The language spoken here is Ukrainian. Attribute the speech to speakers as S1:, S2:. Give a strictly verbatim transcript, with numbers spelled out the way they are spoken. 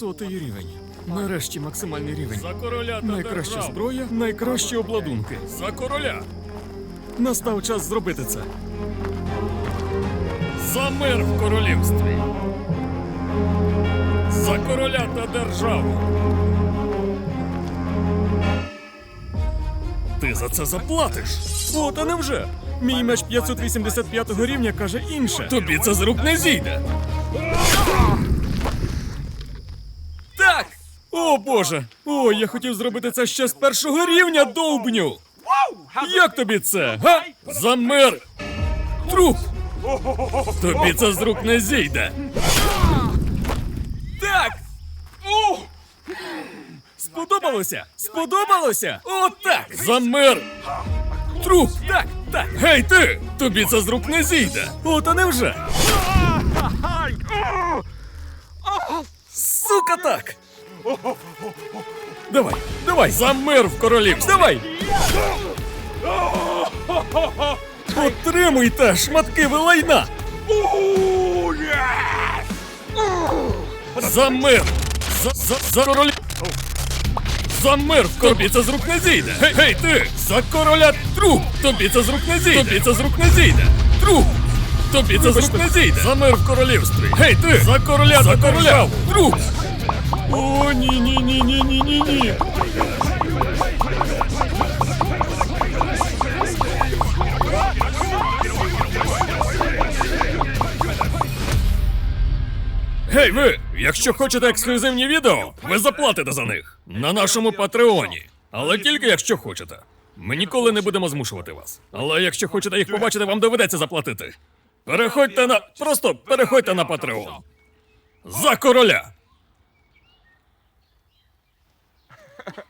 S1: Сотий рівень. Нарешті максимальний рівень.
S2: За короля та
S1: Найкраща
S2: державу.
S1: зброя, найкращі обладунки.
S2: За короля.
S1: Настав час зробити це.
S2: За мир в королівстві. За короля та державу. Ти за це заплатиш.
S1: О, та невже? Мій меч п'ятсот вісімдесят п'ятого рівня каже інше.
S2: Тобі це з рук не зійде.
S1: Так! О, Боже! О, я хотів зробити це ще з першого рівня, довбню! Як тобі це, га?
S2: За мир. Труп. Тобі це з рук не зійде.
S1: Так! О! Сподобалося? Сподобалося? О, так!
S2: За мир. Труп.
S1: Так, так!
S2: Гей ти! Тобі це з рук не зійде.
S1: О, та невже? Сука, так! Давай, давай!
S2: За мир в королівстві.
S1: Давай! Отримуйте, шматки ви лайна!
S2: За мир. За, за, за короля. За мир в тобі це з рук не зійде. Гей, гей ти! За короля труп! Тобі це з рук не зійде. Тобі це з рук не зійде. Труп! Тобі це з рук не зійде. За мир в королівстві. Гей ти! За короля за короля! Труп!
S1: О, ні, ні, ні, ні, ні, ні, ні.
S2: Гей ви! Якщо хочете ексклюзивні відео, ви заплатите за них на нашому патреоні. Але тільки якщо хочете. Ми ніколи не будемо змушувати вас. Але якщо хочете їх побачити, вам доведеться заплатити. Переходьте на. Просто переходьте на патреон. За короля!